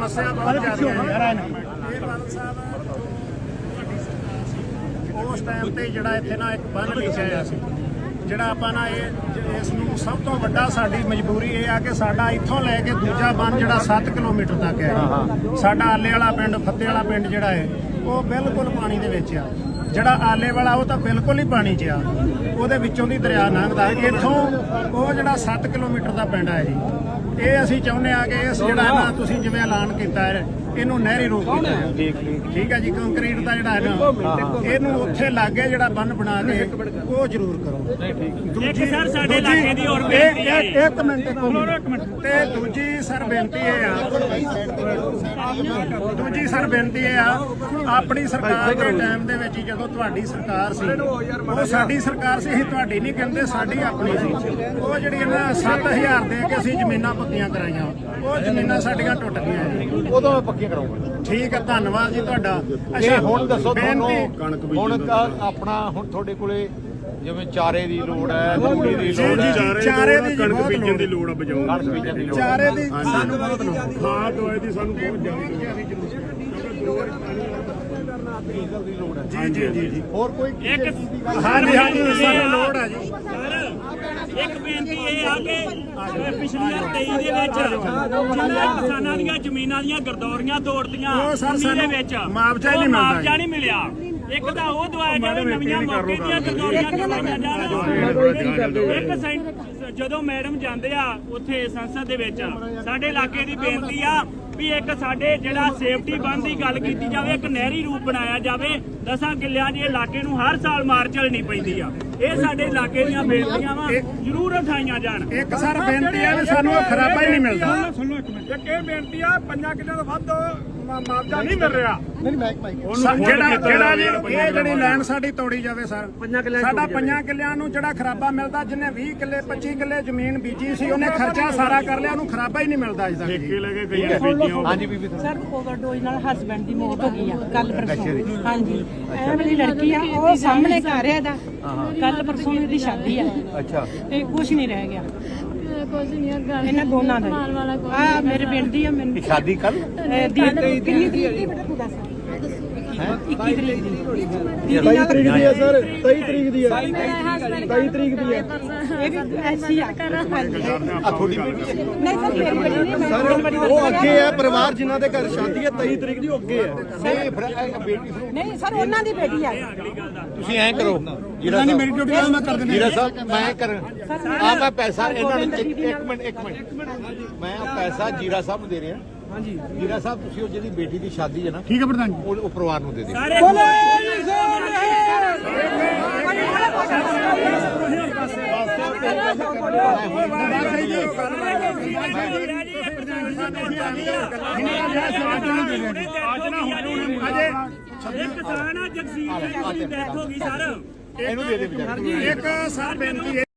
ਸਮੱਸਿਆ ਬਹੁਤ ਜ਼ਿਆਦਾ ਹੈ। ਇਹ ਬਾਦਲ ਸਾਹਿਬ ਉਸ ਟਾਈਮ ਤੇ ਜਿਹੜਾ ਇੱਥੇ ਨਾ ਇੱਕ ਬੰਨ ਲਿਖਿਆ ਹੋਇਆ ਸੀ, ਜਿਹੜਾ ਆਪਾਂ ਨਾ ਇਸ ਨੂੰ ਸਭ ਤੋਂ ਵੱਡਾ ਸਾਡੀ ਮਜਬੂਰੀ ਇਹ ਆ ਕਿ ਸਾਡਾ ਇੱਥੋਂ ਲੈ ਕੇ ਦੂਜਾ ਬੰਨ ਜਿਹੜਾ 7 ਕਿਲੋਮੀਟਰ ਤੱਕ ਹੈ, ਸਾਡਾ ਆਲੇ ਵਾਲਾ ਪਿੰਡ ਫੱਤੇ ਵਾਲਾ ਪਿੰਡ ਜਿਹੜਾ ਹੈ ਉਹ ਬਿਲਕੁਲ ਪਾਣੀ ਦੇ ਵਿੱਚ ਆ। ਜਿਹੜਾ ਆਲੇ ਵਾਲਾ ਉਹ ਤਾਂ ਬਿਲਕੁਲ ਹੀ ਪਾਣੀ 'ਚ ਆ, ਉਹਦੇ ਵਿੱਚੋਂ ਦੀ ਦਰਿਆ ਲੰਘਦਾ। ਇੱਥੋਂ ਉਹ ਜਿਹੜਾ 7 ਕਿਲੋਮੀਟਰ ਦਾ ਪਿੰਡ ਹੈ ਜੀ, ਇਹ ਅਸੀਂ ਚਾਹੁੰਦੇ ਆ ਕਿ ਇਸ ਜਿਹੜਾ ਨਾ ਤੁਸੀਂ ਜਿਵੇਂ ਐਲਾਨ ਕੀਤਾ ਹੈ ਇਹਨੂੰ ਨਹਿਰੀ ਰੂਪ ਕੀਤਾ ਹੈ। ਠੀਕ ਹੈ ਜੀ, ਕੰਕਰੀਟ ਦਾ ਜਿਹੜਾ ਹੈ ਨਾ ਇਹਨੂੰ ਉੱਥੇ ਲਾਗੇ ਜਿਹੜਾ ਬੰਨ ਬਣਾ ਕੇ ਉਹ ਜ਼ਰੂਰ ਕਰੋ। ਇੱਕ ਸਰ ਸਾਡੇ ਇਲਾਕੇ ਦੀ ਹੋਰ ਬੇਨਤੀ ਹੈ। ਇੱਕ ਮਿੰਟ ਤੇ ਦੂਜੀ ਸਰ ਬੇਨਤੀ ਇਹ ਆ ਆਪਣੀ ਸਰਕਾਰ ਦੇ ਟਾਈਮ ਦੇ ਵਿੱਚ ਜਦੋਂ ਤੁਹਾਡੀ ਸਰਕਾਰ ਸੀ, ਉਹ ਸਾਡੀ ਸਰਕਾਰ ਸੀ, ਅਸੀਂ ਤੁਹਾਡੀ ਨਹੀਂ ਕਹਿੰਦੇ, ਸਾਡੀ ਆਪਣੀ ਸੀ। ਉਹ ਜਿਹੜੀ ਇਹਨਾਂ 7000 ਦੇ ਕੇ ਅਸੀਂ ਜ਼ਮੀਨਾਂ ਪੱਕੀਆਂ ਕਰਾਈਆਂ, ਉਹ ਜ਼ਮੀਨਾਂ ਸਾਡੀਆਂ ਟੁੱਟ ਗਈਆਂ ਜੀ। ਉਦੋਂ ਮੈਂ ਪੱਕੀਆਂ ਕਰਾਉਂਗਾ। ਠੀਕ ਹੈ, ਧੰਨਵਾਦ ਜੀ ਤੁਹਾਡਾ। ਅੱਛਾ ਹੁਣ ਦੱਸੋ ਤੁਹਾਨੂੰ ਹੁਣ ਆਪਣਾ ਹੁਣ ਤੁਹਾਡੇ ਕੋਲੇ ਜਿਵੇਂ ਚਾਰੇ ਦੀ ਲੋੜ ਹੈ, ਤੂੜੀ ਦੀ ਲੋੜ ਹੈ, ਚਾਰੇ ਦੀ ਕਣਕ ਬੀਜਣ ਦੀ ਲੋੜ ਆ, ਬਜਾਉਣ ਕਣਕ ਬੀਜਣ ਦੀ ਲੋੜ ਹੈ, ਚਾਰੇ ਦੀ ਸਾਨੂੰ ਬਹੁਤ ਲੋੜ, ਖਾਦ ਦਵਾਈ ਦੀ ਸਾਨੂੰ ਬਹੁਤ ਜ਼ਿਆਦਾ ਡੀਜ਼ਲ ਦੀ ਲੋੜ ਹੈ। ਜੀ ਹੋਰ ਕੋਈ ਇੱਕ ਹਾਂਜੀ ਸਾਨੂੰ ਲੋੜ ਹੈ ਜੀ। ਇੱਕ ਬੇਨਤੀ ਇਹ ਆ ਕਿ ਪਿਛਲੀਆਂ 23 ਦੇ ਵਿੱਚ ਜਿਨ੍ਹਾਂ ਕਿਸਾਨਾਂ ਦੀਆਂ ਜ਼ਮੀਨਾਂ ਦੀਆਂ ਗਰਦੌਰੀਆਂ ਤੋੜਦੀਆਂ ਉਹ ਸਰ ਦੇ ਵਿੱਚ ਮੁਆਵਜ਼ਾ ਹੀ ਨਹੀਂ ਮਿਲਦਾ। ਮੁਆਵਜ਼ਾ ਨਹੀਂ ਮਿਲਿਆ। ਇੱਕ ਤਾਂ ਉਹ ਦਵਾਇਆ ਜਾਵੇ, ਨਵੀਆਂ ਮੌਕੇ ਦੀਆਂ ਗਰਦੌਰੀਆਂ ਕਰਵਾਈਆਂ ਜਾਣ। ਇੱਕ ਜਦੋਂ ਮੈਡਮ ਜਾਂਦੇ ਆ ਉੱਥੇ ਸੰਸਦ ਦੇ ਵਿੱਚ, ਸਾਡੇ ਇਲਾਕੇ ਦੀ ਬੇਨਤੀ ਆ ਵੀ ਇੱਕ ਸਾਡੇ ਜਿਹੜਾ ਸੇਫਟੀ ਬੰਦ ਦੀ ਗੱਲ ਕੀਤੀ ਜਾਵੇ, ਇੱਕ ਨਹਿਰੀ ਰੂਪ ਬਣਾਇਆ ਜਾਵੇ। 10 ਕਿੱਲਿਆਂ ਦੇ ਇਲਾਕੇ ਨੂੰ ਹਰ ਸਾਲ ਮਾਰ ਝੱਲਣੀ ਪੈਂਦੀ ਆ। ਇਹ ਸਾਡੇ ਇਲਾਕੇ ਦੀਆਂ ਬੇਨਤੀਆਂ ਵਾ, ਜ਼ਰੂਰ ਉਠਾਈਆਂ ਜਾਣ। ਇੱਕ ਸਰ ਬੇਨਤੀ ਆ ਵੀ ਸਾਨੂੰ ਉਹ ਖਰਾਬਾ ਹੀ ਨਹੀਂ ਮਿਲਦਾ। ਇੱਕ ਇਹ ਬੇਨਤੀ ਆ 5 ਕਿੱਲਿਆਂ ਤੋਂ ਵੱਧ ਮੁਆਵਜ਼ਾ ਨਹੀਂ ਮਿਲ ਰਿਹਾ। ਜਿਹੜਾ ਜੀ ਇਹ ਜਿਹੜੀ ਲਾਈਨ ਸਾਡੀ ਤੋੜੀ ਜਾਵੇ ਸਰ, ਸਾਡਾ 5 ਕਿੱਲਿਆਂ ਨੂੰ ਜਿਹੜਾ ਖਰਾਬਾ ਮਿਲਦਾ, ਜਿਹਨੇ 20 ਕਿੱਲੇ 25 ਕਿੱਲੇ ਜ਼ਮੀਨ ਬੀਜੀ ਸੀ ਉਹਨੇ ਖਰਚਾ ਸਾਰਾ ਕਰ ਲਿਆ, ਉਹਨੂੰ ਖਰਾਬਾ ਹੀ ਨਹੀਂ ਮਿਲਦਾ ਅਜੇ ਤੱਕ। ਠੇਕੇ ਲੈ ਕੇ ਗਈਆਂ ਬੀਜੀਆਂ। ਹਾਂਜੀ ਬੀਬੀ ਸਰ ਓਵਰਡੋਜ਼ ਨਾਲ ਹਸਬੈਂਡ ਦੀ ਮੌਤ ਹੋ ਗਈ ਆ ਕੱਲ ਪਰਸੋਂ। ਹਾਂਜੀ, ਇਹ ਵਾਲੀ ਲੜਕੀ ਆ, ਉਹ ਸਾਹਮਣੇ ਘਰ ਆ ਇਹਦਾ, ਕੱਲ ਪਰਸੋਂ ਦੀ ਸ਼ਾਦੀ ਆ। ਅੱਛਾ ਤੇ ਕੁਝ ਨਹੀਂ ਰਹਿ ਗਿਆ ਕੁਝ ਨਹੀਂ ਹੈਗਾ ਇਹਨਾਂ ਦੋਨਾਂ ਦਾ। ਆ ਮੇਰੇ ਪਿੰਡ ਦੀ ਆ। ਮੈਨੂੰ ਸ਼ਾਦੀ ਕੱਲ ਕਿੰਨੀ ਤਰੀਕ ਦੀ ਬੇਟਾ ਤੂੰ ਦੱਸ? 21 ਤਰੀਕ ਦੀ। 23 ਤਰੀਕ ਦੀ ਹੈ ਸਰ, 23 ਤਰੀਕ ਦੀ ਹੈ। 23 ਤਰੀਕ ਦੀ ਹੈ। ਇਹ ਵੀ ਐਸੀ ਆ। ਆ ਥੋੜੀ ਬੇਟੀ ਹੈ। ਨਹੀਂ ਸਰ, ਮੇਰੀ ਬੇਟੀ ਨਹੀਂ, ਮੈਂ ਉਹ ਅੱਗੇ ਹੈ ਪਰਿਵਾਰ ਜਿਨ੍ਹਾਂ ਦੇ ਘਰ ਸ਼ਾਦੀ ਹੈ 23 ਤਰੀਕ ਦੀ, ਉਹ ਅੱਗੇ ਹੈ। ਨਹੀਂ ਫਿਰ ਬੇਟੀ ਨਹੀਂ ਸਰ, ਉਹਨਾਂ ਦੀ ਬੇਟੀ ਆ। ਤੁਸੀਂ ਐਂ ਕਰੋ ਜੀਰਾ ਸਾਹਿਬ, ਮੇਰੀ ਡਿਊਟੀ ਮੈਂ ਕਰ ਦਿੰਦੀ। ਜੀਰਾ ਸਾਹਿਬ ਮੈਂ ਕਰ ਆ ਮੈਂ ਪੈਸਾ ਇਹਨਾਂ ਨੂੰ ਇੱਕ ਮਿੰਟ ਮੈਂ ਪੈਸਾ ਜੀਰਾ ਸਾਹਿਬ ਨੂੰ ਦੇ ਰਿਹਾ। ਹਾਂਜੀ ਜੀਰਾ ਸਾਹਿਬ, ਤੁਸੀਂ ਉਹ ਜਿਹੜੀ ਬੇਟੀ ਦੀ ਸ਼ਾਦੀ ਹੈ ਨਾ, ਠੀਕ ਹੈ ਪ੍ਰਧਾਨ ਜੀ, ਉਹ ਪਰਿਵਾਰ ਨੂੰ ਦੇ ਦਿਓ। ਇੱਕ ਕਿਸਾਨ ਆ ਜਗਸੀਰ ਸਿੰਘ ਦੀ ਡੈਥ ਹੋ ਗਈ ਸਰ। ਇਹਨੂੰ ਦੇ ਦੇ ਵਿਚਾਰੇ। ਇੱਕ ਸਰ ਬੇਨਤੀ